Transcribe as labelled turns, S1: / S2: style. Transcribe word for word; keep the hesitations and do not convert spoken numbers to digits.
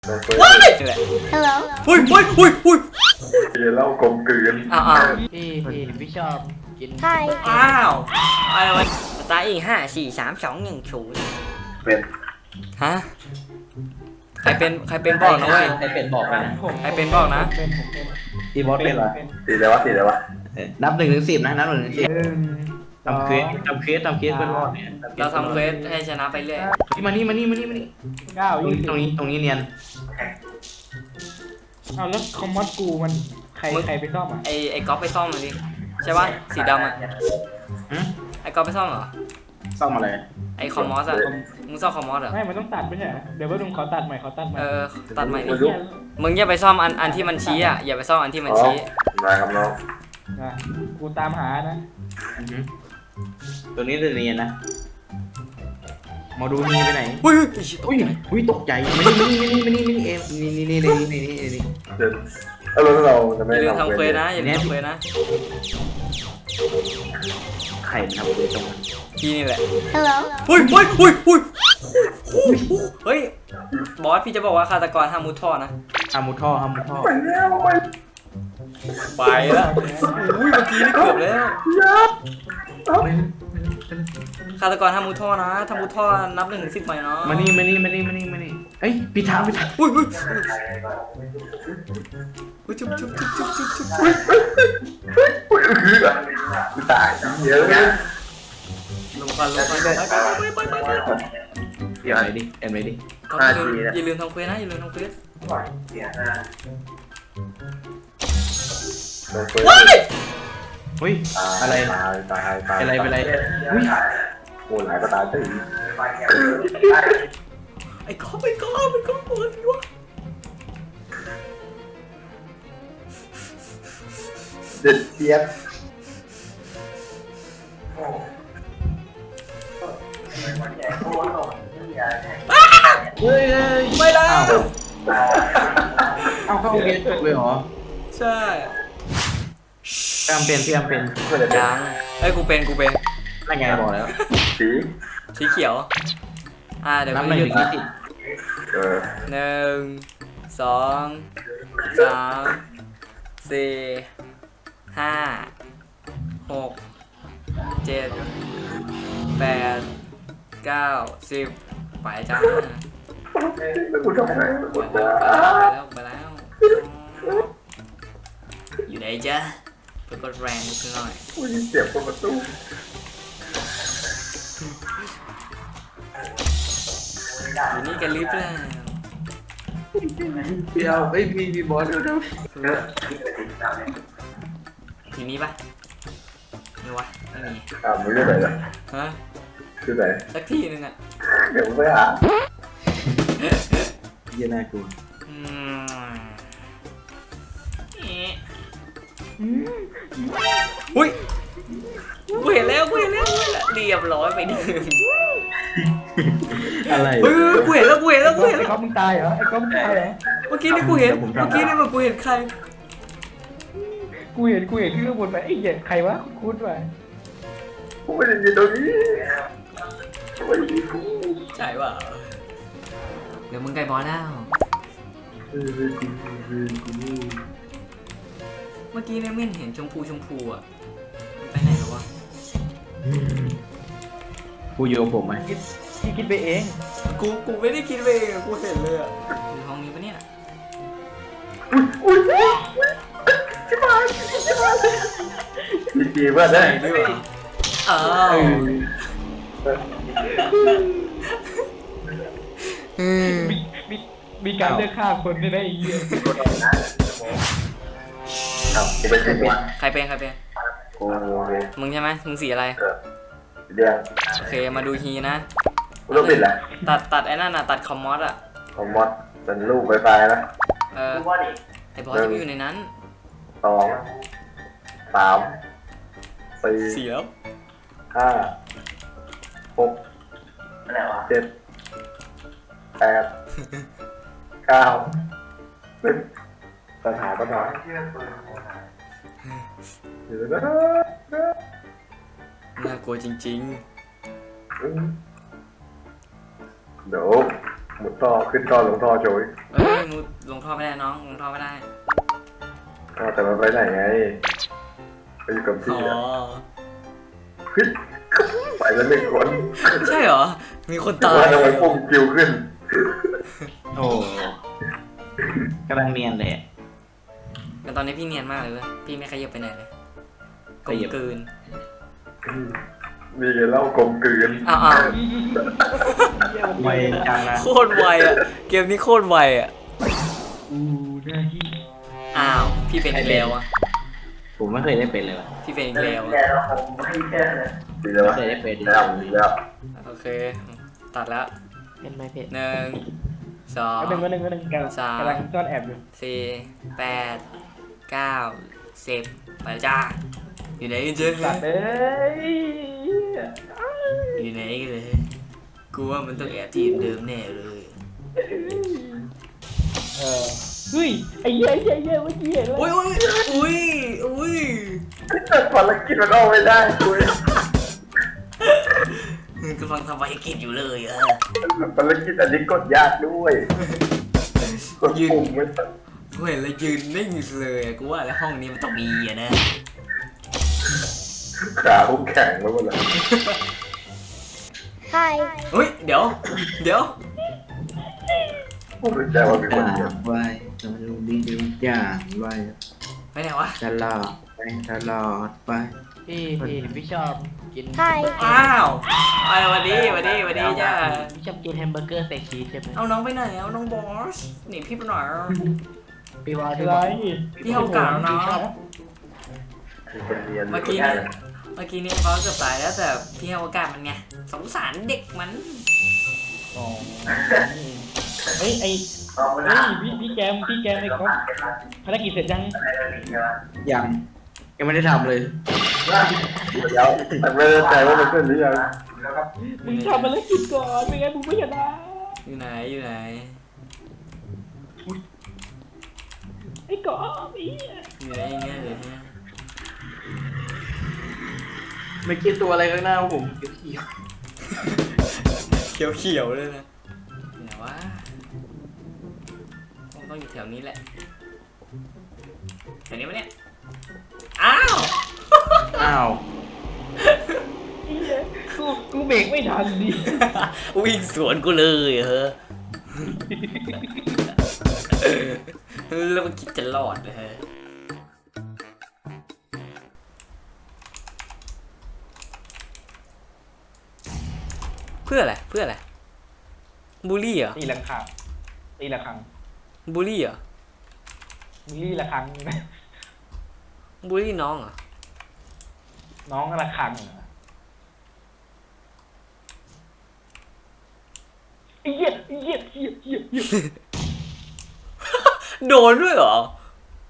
S1: ว้ายนี่แหละ
S2: Hello
S1: อุ้ยอุ้ยอุ้ยอุ้ย
S3: เดี๋ยวเล่ากลมกลืน
S1: อ้าวอ้าว
S4: พี่พี่พี่ชอบกิน
S2: Hi
S1: อ้าวอะไรวะตายอีกห้าสี่สามสองหนึ่งศูนย์
S3: เป็น
S1: ฮะใครเป็นใครเป็นบอกนะเว้ย
S4: ใครเป็นบอกเลยนะ
S1: ใครเป็นบอกนะ
S4: ทีบอสเป็นเหรอ
S3: สีอะไรวะสีอะไรวะ
S4: นับหนึ่งถึงสิบนะนับหนึ่งถึงสิบทำเควสทำเควสทำเควสเป็นรอดเนี่ย
S1: เราทำเควสให้ชนะไปเรื่อย
S4: มานี่มานี่มานี่มานี่
S5: เก้า
S4: ตรง
S5: ยี่
S4: นี้
S5: สิบ
S4: ตรงนี้ตรงนี้เนียน
S5: เอาแล้วคอมมอดกูมันใครใครไปซ่อมอ่ะ
S1: ไอไอก๊อฟไปซ่อมมันดิใช่ปะสีดำอ่ะ
S4: หืม
S1: ไอก๊อฟไปซ่อมเหรอ
S4: ซ่อมอะไร
S1: ไอคอมมอสอ่ะมึงซ่อมคอมมอสเหรอ
S5: ไม่มันต้องตัดไม่ใช่เหรอเดี๋ยวว่าลุงเขาตัดใหม่เขาตัดใหม่
S1: เออตัดใหม่ดิ
S5: เหี้ย
S1: มึงอย่าไปซ่อมอันอันที่มันชี้อ่ะอย่าไปซ่อมอันที่มันชี้
S3: มาครับน้อง
S5: อ่ะกูตามหานะ
S4: อือหือตัวนี้จะเนียนนะมาดูนี่ไปไหน
S1: อุ้ย
S4: อุ้ยอุ้ยตกใจมานี่มานี่มานี่มานี่มานี่เอ็มนี่นี่นี่นี่นี่นี่นี่
S3: เดี๋ยวเอาแล้วเราจะ
S1: อ
S3: ไม่
S1: ย่าลืม
S3: ทำ
S1: ทำเควสนะอย่าลืมทำเควสนะ
S4: ไข่มันทำเควสตรงนั้น
S1: พี่นี่แหละ
S2: Hello
S1: อุ้ยอุ้ยอุ้ยอุ้ยเฮ้ยบอสพี่จะบอกว่าฆาตกรห้ามมุดท่อนะ
S4: ฮามุท่อฮามุท่อ
S3: ไปแล้วไป
S1: ไปแล้วอุ้ยเมื่อกี้นี่เกือบแล้วฆาตกรห้ามมุดท่อนะถ้ามุดท่อนับหนึ่งถึงสิบใหม่เนาะ
S4: มานี่มานี่มานี่มานี่มานี่เฮ้ยปีทางปีทาง
S1: อุ้ยอุ้ยอุ้ยจุ๊บจุ๊บจุ๊บจุ๊บจุ๊บจุ๊บ
S3: อุ้ยคือกูตายเยอะนะ
S1: ลงควันลงควันไปไปไปไปไป
S4: เดี๋ยวไหนดิเอ็มไหนดิ
S1: อย่าลืมอย่าลืมทำเควสนะอย่าลืมทำเควส
S3: ว้าย
S4: เฮ้ยอะไร
S3: ตายตายตาย
S4: อะไรเป็นไรอุ้ย
S3: โอ้หลายก็ตายตี
S1: ไอ้ก้อนไอ้ก้อนไอ้ก้อนปวดหัว
S3: เด็ดเจี๊ยบ
S4: เฮ้ยเฮ้ย
S1: ไม่แล้ว
S4: เอาเข้าเรียนจบเลยเหรอ
S1: ใช่
S4: พยายามเป็นพยายามเป็น
S3: เพื่อนจะเป็น
S1: ยังไอ้กูเป็นกูเป็น
S4: นั่นไงบอกแล้ว
S3: สี
S1: สีเขียวอ่าเดี๋ยว
S4: นับ
S1: กู
S4: หนึ่ง
S1: หยุ
S4: ถึ
S1: ด
S4: งยี่สิบ
S3: เออ
S1: หนึ่งสองสามสี่ห้าหกเจ็ดแปดเก้าสิบไปจ้า
S3: แล้วกูทำไง
S1: ไปแล้วไปแล้วไปแล้วอยู่ไหนจ๊ะเพื่อกดแรงนิดหน่อย
S3: กูยินเสียงประตู
S1: อยู่นี่กันหรือเปล่า
S4: พี่เอาเฮ้ยมีมีบอสด้วยนะ
S1: ทีนี้ปะไม่วะไม่มี
S3: อ่ามึงจะไหนล่ะ
S1: ฮะ
S3: คือไหน
S1: สักทีนึงอ่ะ
S3: เดี๋ยวมึงไปหา
S4: เยี่ยน่ากลัว
S1: อืมเอ๊ะอุ้ยกูเห็นแล้วกูเห็นแล้วกูเห็นแล้วเรียบร้อยไปหนึ่ง
S4: อะไร
S1: เฮ้ยกูเห็นแล้วกูเห็นแล้วกูเห็น
S5: ไอ้
S1: แล้ว
S5: ก๊อฟมึงตายเหรอไอ้ก๊อฟมึงตายเหรอ
S1: เมื่อกี้นี่กูเห็นเมื่อกี้นี่มันกูเห็นใคร
S5: กูเห็นกูเห็นที่ข้างบนไปไอ้เหี้ยใครวะคุ้นว่ะ
S3: กูไม่ได้ยินตรงนี้ไม่ได้ยินกู
S1: ใช่เปล่าเดี๋ยวมึงไกลบอลแล้ว
S3: เออกูเออกู
S1: เมื่อกี้เนี่ยไม่เห็นชมพูชมพูอ่ะมันไปไหนแล้ววะ
S4: กูอยู่กับผมไหม
S5: คิดที่คิดไปเอง
S1: กูกูไม่ได้คิดไปเองอะกูเห็นเลยอ่ะอยู่ห้องนี้ปะเนี่ย
S3: อุ้ยชิบหายชิบหายดีดีเพื่อนได้
S1: ไหนด้วยอ้าว
S5: มีมีมีการเลือกฆ่าคนได้ไหมไอ้เหี้ย
S3: ครับกูเป็นใครวะ
S1: ใครเป็นใครเป็น
S3: กู
S1: มึงใช่ไหมมึงสีอะไร
S3: เออเดี๋ยว
S1: โอเคมาดูฮีนะ
S3: กูต้องปิดแหละ
S1: ตัดตัดไอ้นั่นน่ะตัดคอมมอสอ่ะ
S3: ของมอสเป็นลูกไฟไฟนะ
S1: เออไอ้บอสจะไปอยู่ในนั้น
S3: สองสามสี่
S1: เสียว
S3: ห้าหกเจ็ดแปดเก้าสิบปัญหาปัญหาเดี๋ยวนะ
S1: น่ากลัวจริง
S3: เดี๋ยวหมุนท่อขึ้นท่อลงท่อโชย
S1: เอ้ยมูลงท่อไม่ได้น้องลงท่อไม่ได้
S3: ท่อแต่มันไปไหนไงไปอยู่กับ
S1: อ๋
S3: พี่
S1: อ
S3: อะเฮ้ยไปแล้วหนึ่งคน
S1: ใช่เหรอมีคนตาย
S3: ว่าทำไมปุ่มคิวขึ้น
S4: โอ้กำลังเนียนเลยอะ
S1: แต่ตอนนี้พี่เนียนมากเลยเว้ยพี่ไม่ขยับไปไหนเลยกลม
S4: ขยับ
S1: กลืน
S3: มีไงเล่ากลมกลืน
S1: อ้าวอ้าว
S4: ไวจังนะ
S1: โคตรไวอ่ะเกมนี้โคตรไวอ่ะ
S5: อูได้ที่
S1: อ้าวพี่เป็นอีกแล้วอ่ะ
S4: ผมไม่เคยได้เป็นเลยว่ะ
S1: พี่เป็นอีกแล้วอะ
S3: ดีแล้ว
S4: ไม่เคยได้เป็น
S3: แล้วดีแล้ว
S1: โอเคตัดแล้ว
S2: เป็นไหมพี่
S1: หนึ่งสอง
S5: ก็หนึ่งก็หนึ่งก็หนึ่งกำลัง
S1: สาม
S5: กำลังซ่อนแอบอยู่
S1: สี่แปดเก้าสิบไปแล้วจ้าอยู่ไหนกันเจ๊
S5: สัตว์เอ้ย
S1: อยู่ไหนกันเลยกูว่ามันต้องแอบที่เดิมแน่เลย
S5: เออเฮ้ยไอ้เหี้ยไอ้เหี้ยไอ้เหี้ยเมื่อกี้เห็นแล้ว
S1: อุ้ยอุ้ยอุ้ยอุ้ย
S3: ภารกิจมันเอาไม่ได้คุย
S1: กำลังทำภารกิจอยู่เลยอะ
S3: ภารกิจอันนี้กดยากด้วยกดปุ่มไม่ทัน
S1: กูเห็นแล้วยืนนิ่งเลยอะกูว่าแล้วห้องนี้มันต้องมีอะนะ
S3: ขาพุ่งแข็งแล้วหมดเลย
S2: Hi
S1: อุ้ยเดี๋ยว เดี๋ยว
S3: ผมรู้ใจว่ามีคนเดียว
S4: ไว้จะดูดีดูอย่างไว้
S1: ไปไหนวะ
S4: ตลอดไปตลอดไป
S2: พี่พี่พี่ชอบกิน
S6: Hi
S1: อ้าวไปวันนี้วันนี้วันนี้จ้า
S2: พี่ชอบกินแฮมเบอร์เกอร์ใส่ชีสใช่ไหม
S1: เอาน้องไปไหนเอาน้องบอสหนีพี่ไปหน่อย
S2: พี่บอล
S5: อะไร
S1: พี่เอากาแล้วเนาะ
S3: มีคนเรียน
S1: เมื่อกี้เนี่ยเมื่อกี้เนี่ยเขาเกือบตายแล้วแต่พี่ให้โอกาสมันไงสงสารเด็กมัน
S5: อ๋อเฮ้ยไอ้เฮ้ยพี่พี่แกมพี่แกมไอ้ก๊อฟภารกิจเสร็จยัง
S4: ยังยังไม่ได้ทำเลย
S3: เดี๋ยวแต่ไม่แน่ใจว่ามันเสร็จหรือยัง
S5: มึงทำภารกิจก่อนไม่งั้นมึงไม่ชนะ
S1: อยู่ไหนอยู่ไหน
S5: ไอ้ก๊อฟไอ้เหี้ย
S1: อยู่ไหนอย่างเงี้ยเลยเนี่ย
S4: ไม่คิดตัวอะไรข้างหน้าผมเขียว
S1: เขียวเขียวๆเลยนะอยู่ไหนวะคงต้องอยู่แถวนี้แหละแถวนี้ปะเนี่ยอ้าว
S4: ๆอ้าว
S5: ไอ้เหี้ยกูกูเบรกไม่ทันดิ
S1: วิ่งสวนกูเลยเฮ้อแล้วมันคิดจะรอดเลยเฮ้ยเพื่ออะไรเพื่ออะไรบูลลี่เหรอ
S5: ตีละครั้งตีละครั้ง
S1: บูลลี่เหรอ
S5: มิลลี่ละครั้งนะ
S1: บูลลี่น้องเหรอ
S5: น้องละครั้งเหรอไอ้เหี้ยไอ้เหี้ยเหี้ยเหี้ยเหี้ย
S1: โดนด้วยเหรอ